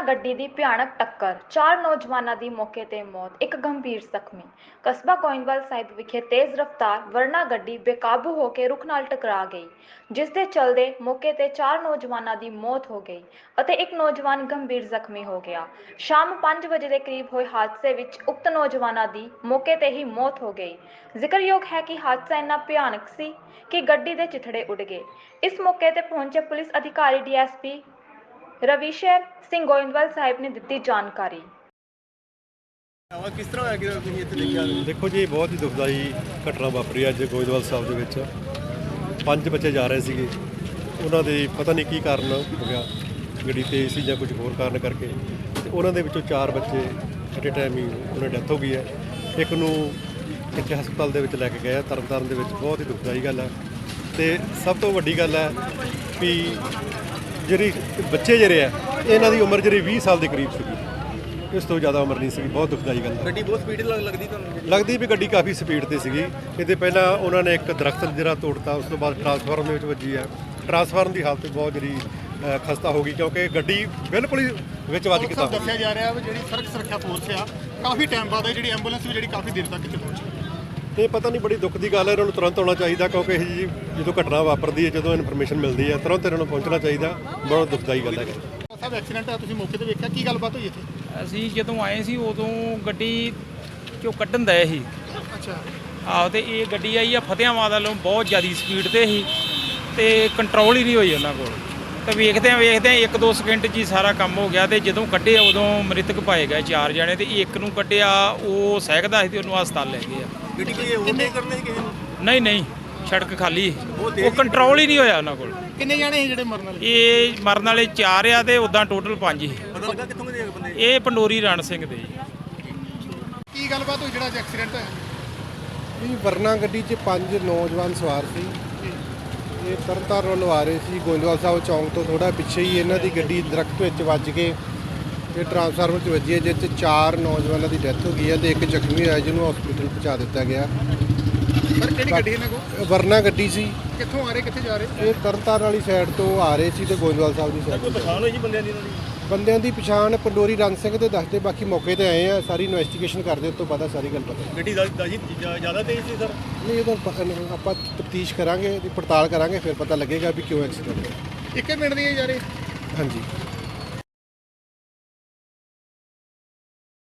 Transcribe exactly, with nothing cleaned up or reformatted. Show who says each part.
Speaker 1: ਗੱਡੀ ਦੀ ਭਿਆਨਕ ਟੱਕਰ, ਚਾਰ ਨੌਜਵਾਨਾਂ ਦੀ ਮੌਕੇ ਤੇ ਮੌਤ, ਇੱਕ ਗੰਭੀਰ ਜ਼ਖਮੀ। ਕਸਬਾ ਗੋਇੰਦਵਾਲ ਸਾਹਿਬ ਵਿਖੇ ਤੇਜ਼ ਰਫ਼ਤਾਰ ਵਰਨਾ ਗੱਡੀ ਬੇਕਾਬੂ ਹੋ ਕੇ ਰੁੱਖ ਨਾਲ ਟਕਰਾ ਗਈ, ਜਿਸ ਦੇ ਚਲਦੇ ਮੌਕੇ ਤੇ ਚਾਰ ਨੌਜਵਾਨਾਂ ਦੀ ਮੌਤ ਹੋ ਗਈ ਅਤੇ ਇੱਕ ਨੌਜਵਾਨ ਗੰਭੀਰ ਜ਼ਖਮੀ ਹੋ ਗਿਆ। ਸ਼ਾਮ ਪੰਜ ਵਜੇ ਦੇ ਕਰੀਬ ਹੋਏ ਹਾਦਸੇ ਵਿੱਚ ਉਕਤ ਨੌਜਵਾਨਾਂ ਦੀ ਮੌਕੇ ਤੇ ਹੀ ਮੌਤ ਹੋ ਗਈ। ਜ਼ਿਕਰਯੋਗ ਹੈ ਕਿ ਹਾਦਸਾ ਇੰਨਾ ਭਿਆਨਕ ਸੀ ਕਿ ਗੱਡੀ ਦੇ ਚਿਥੜੇ ਉੱਡ ਗਏ। ਇਸ ਮੌਕੇ ਤੇ ਪਹੁੰਚੇ ਪੁਲਿਸ ਅਧਿਕਾਰੀ D S P Ravishar Singh Goindwal Sahib ਨੇ ਦਿੱਤੀ ਜਾਣਕਾਰੀ।
Speaker 2: ਕਿਸ ਤਰ੍ਹਾਂ ਹੋਇਆ ਕਿ ਤੁਸੀਂ ਇੱਥੇ ਦੇਖਿਆ?
Speaker 3: ਦੇਖੋ ਜੀ, ਬਹੁਤ ਹੀ ਦੁਖਦਾਈ ਘਟਨਾ ਵਾਪਰੀ ਅੱਜ ਗੋਇੰਦਵਾਲ ਸਾਹਿਬ ਦੇ ਵਿੱਚ। ਪੰਜ ਬੱਚੇ ਜਾ ਰਹੇ ਸੀਗੇ, ਉਹਨਾਂ ਦੇ ਪਤਾ ਨਹੀਂ ਕੀ ਕਾਰਨ ਹੋ ਗਿਆ, ਗੱਡੀ ਤੇਜ਼ ਸੀ ਜਾਂ ਕੁਝ ਹੋਰ ਕਾਰਨ ਕਰਕੇ, ਤੇ ਉਹਨਾਂ ਦੇ ਵਿੱਚੋਂ ਚਾਰ ਬੱਚੇ ਐਟ ਏ ਟਾਈਮ ਹੀ ਉਹਨਾਂ ਦੀ ਡੈਥ ਹੋ ਗਈ ਹੈ। ਇੱਕ ਨੂੰ ਇੱਥੇ ਹਸਪਤਾਲ ਦੇ ਵਿੱਚ ਲੈ ਕੇ ਗਏ ਤਰਨਤਾਰਨ ਦੇ ਵਿੱਚ। ਬਹੁਤ ਹੀ ਦੁਖਦਾਈ ਗੱਲ ਹੈ। ਤੇ ਸਭ ਤੋਂ ਵੱਡੀ ਗੱਲ ਹੈ ਵੀ ਜਿਹੜੀ ਬੱਚੇ ਜਿਹੜੇ ਆ ਇਹਨਾਂ ਦੀ ਉਮਰ ਜਿਹੜੀ ਵੀਹ ਸਾਲ ਦੇ ਕਰੀਬ ਸੀਗੀ, ਇਸ ਤੋਂ ਜ਼ਿਆਦਾ ਉਮਰ ਨਹੀਂ ਸੀਗੀ। ਬਹੁਤ ਦੁਖਦਾਈ ਗੱਲ ਹੈ।
Speaker 2: ਗੱਡੀ ਬਹੁਤ ਸਪੀਡ ਲੱਗਦੀ ਤੁਹਾਨੂੰ?
Speaker 3: ਲੱਗਦੀ ਵੀ ਗੱਡੀ ਕਾਫੀ ਸਪੀਡ ਤੇ ਸੀਗੀ। ਇਹਦੇ ਪਹਿਲਾਂ ਉਹਨਾਂ ਨੇ ਇੱਕ ਦਰਖਤ ਜਿਹੜਾ ਤੋੜਤਾ, ਉਸ ਤੋਂ ਬਾਅਦ ਟਰਾਂਸਫਾਰਮਰ ਦੇ ਵਿੱਚ ਵੱਜੀ ਹੈ। ਟਰਾਂਸਫਾਰਮਰ ਦੀ ਹਾਲਤ ਬਹੁਤ ਜਿਹੜੀ ਖਸਤਾ ਹੋ ਗਈ, ਕਿਉਂਕਿ ਗੱਡੀ ਬਿਲਕੁਲ ਹੀ ਵਿੱਚ ਵੱਜ ਕੇ ਤਾਂ
Speaker 2: ਦੱਸਿਆ ਜਾ ਰਿਹਾ ਵੀ ਜਿਹੜੀ ਸੜਕ ਸੁਰੱਖਿਆ ਫੋਰਸ ਆ ਕਾਫੀ ਟਾਈਮ ਬਾਅਦ ਜਿਹੜੀ ਐਂਬੂਲੈਂਸ ਵੀ ਜਿਹੜੀ ਕਾਫੀ ਦੇਰ ਤੱਕ ਇੱਥੇ ਪਹੁੰਚੀ।
Speaker 3: ਇਹ ਪਤਾ ਨਹੀਂ, ਬੜੀ ਦੁੱਖ ਦੀ ਗੱਲ ਹੈ। ਇਹਨਾਂ ਨੂੰ ਤੁਰੰਤ ਆਉਣਾ ਚਾਹੀਦਾ, ਕਿਉਂਕਿ ਇਹ ਜੀ ਜਦੋਂ ਘਟਨਾ ਵਾਪਰਦੀ ਹੈ, ਜਦੋਂ ਇਨਫੋਰਮੇਸ਼ਨ ਮਿਲਦੀ ਹੈ, ਤੁਰੰਤ ਇਹਨਾਂ ਨੂੰ ਪਹੁੰਚਣਾ ਚਾਹੀਦਾ। ਬਹੁਤ ਦੁਖਦਾਈ ਗੱਲ ਹੈ।
Speaker 2: ਸਭ ਐਕਸੀਡੈਂਟ ਆ, ਤੁਸੀਂ ਮੌਕੇ ਤੇ ਵੇਖਿਆ, ਕੀ ਗੱਲਬਾਤ ਹੋਈ ਇੱਥੇ?
Speaker 4: ਅਸੀਂ ਜਦੋਂ ਆਏ ਸੀ ਉਦੋਂ ਗੱਡੀ ਚੋਂ ਕੱਢਣ ਦਏ ਸੀ।
Speaker 2: ਅੱਛਾ।
Speaker 4: ਆਹੋ, ਤੇ ਇਹ ਗੱਡੀ ਆਈ ਆ ਫਤਿਆਬਾਦ ਵੱਲੋਂ ਬਹੁਤ ਜ਼ਿਆਦਾ ਸਪੀਡ ਤੇ ਸੀ ਤੇ ਕੰਟਰੋਲ ਹੀ ਨਹੀਂ ਹੋਈ ਉਹਨਾਂ ਕੋਲ। ਤੇ ਵੇਖਦੇ ਆ ਵੇਖਦੇ ਆ ਇੱਕ ਦੋ ਸਕਿੰਟ 'ਚ ਹੀ ਸਾਰਾ ਕੰਮ ਹੋ ਗਿਆ। ਤੇ ਜਦੋਂ ਕੱਢੇ ਉਦੋਂ ਮ੍ਰਿਤਕ ਪਾਏ ਗਏ ਚਾਰ ਜਣੇ, ਤੇ ਇੱਕ ਨੂੰ ਕੱਢਿਆ ਉਹ ਸਹਿਕਦਾ ਸੀ ਤੇ ਉਹਨੂੰ ਹਸਪਤਾਲ ਲੈ ਗਏ ਆ।
Speaker 2: ਗੱਡੀ ਕੋਈ ਓਵਰਟੇਕ ਕਰਨੇ ਕਿਸੇ ਨੂੰ?
Speaker 4: ਨਹੀਂ ਨਹੀਂ, ਸੜਕ ਖਾਲੀ, ਉਹ ਕੰਟਰੋਲ ਹੀ ਨਹੀਂ ਹੋਇਆ ਉਹਨਾਂ ਕੋਲ।
Speaker 2: ਕਿੰਨੇ ਜਾਣੇ ਸੀ ਜਿਹੜੇ ਮਰਨ ਵਾਲੇ?
Speaker 4: ਇਹ ਮਰਨ ਵਾਲੇ ਚਾਰ ਆ ਤੇ ਉਦਾਂ ਟੋਟਲ ਪੰਜ ਸੀ।
Speaker 2: ਪਤਾ ਲੱਗਾ ਕਿੱਥੋਂ ਦੇ ਬੰਦੇ?
Speaker 4: ਇਹ ਪੰਡੋਰੀ ਰਣ ਸਿੰਘ ਦੇ ਜੀ।
Speaker 2: ਕੀ ਗੱਲਬਾਤ ਹੋਈ ਜਿਹੜਾ ਐਕਸੀਡੈਂਟ ਹੋਇਆ?
Speaker 5: ਇਹ ਵਰਨਾ ਗੱਡੀ 'ਚ ਪੰਜ ਨੌਜਵਾਨ ਸਵਾਰ ਸੀ। ਇਹ ਤਰਨਤਾਰਨ ਵੱਲੋਂ ਆ ਰਹੇ ਸੀ। ਗੋਇੰਦਵਾਲ ਸਾਹਿਬ ਚੌਂਕ ਤੋਂ ਥੋੜਾ ਪਿੱਛੇ ਹੀ ਇਹਨਾਂ ਦੀ ਗੱਡੀ ਦਰਖਤ ਵਿੱਚ ਵੱਜ ਕੇ ਤੇ ਟਰਾਂਸਫਾਰਮਰ 'ਚ ਵੱਜੀ ਹੈ, ਜਿਸ 'ਚ ਚਾਰ ਨੌਜਵਾਨਾਂ ਦੀ ਡੈਥ ਹੋ ਗਈ ਹੈ ਤੇ ਇੱਕ ਜ਼ਖਮੀ ਹੋਇਆ, ਜਿਹਨੂੰ ਹਸਪੀਟਲ ਪਹੁੰਚਾ ਦਿੱਤਾ ਗਿਆ।
Speaker 2: ਸਰ ਕਿਹੜੀ ਗੱਡੀ ਇਹਨਾਂ ਕੋਲ?
Speaker 5: ਵਰਨਾ ਗੱਡੀ ਸੀ।
Speaker 2: ਕਿੱਥੋਂ ਆ ਰਹੇ ਕਿੱਥੇ ਜਾ ਰਹੇ?
Speaker 5: ਇਹ ਤਰਨਤਾਰਨ ਵਾਲੀ ਸਾਈਡ ਤੋਂ ਆ ਰਹੇ ਸੀ ਤੇ ਗੋਇੰਦਵਾਲ ਸਾਹਿਬ ਦੀ ਸਾਈਡ।
Speaker 2: ਕੋਈ ਪਛਾਣ ਹੋਈ ਜੀ ਬੰਦਿਆਂ ਦੀ? ਇਹਨਾਂ ਦੀ
Speaker 5: ਬੰਦਿਆਂ ਦੀ ਪਛਾਣ ਪੰਡੋਰੀ ਰਣ ਸਿੰਘ ਤੇ ਦੱਸਦੇ, ਬਾਕੀ ਮੌਕੇ ਤੇ ਆਏ ਆ, ਸਾਰੀ ਇਨਵੈਸਟੀਗੇਸ਼ਨ ਕਰਦੇ, ਉਸ ਤੋਂ ਬਾਅਦ ਸਾਰੀ ਗੱਲ ਪਤਾ।
Speaker 2: ਗੱਡੀ ਦਾ ਜੀ ਜ਼ਿਆਦਾ ਤੇਜ਼ ਸੀ ਸਰ?
Speaker 5: ਨਹੀਂ, ਇਹਦਾ ਆਪਾਂ ਤਫਤੀਸ਼ ਕਰਾਂਗੇ, ਇਹਦੀ ਪੜਤਾਲ ਕਰਾਂਗੇ, ਫਿਰ ਪਤਾ ਲੱਗੇਗਾ ਵੀ ਕਿਉਂ ਐਕਸੀਡੈਂਟ ਹੋਇਆ।
Speaker 2: ਇੱਕੇ ਮਿੰਟ ਦੀ ਜਾ ਰਹੇ?
Speaker 5: ਹਾਂਜੀ।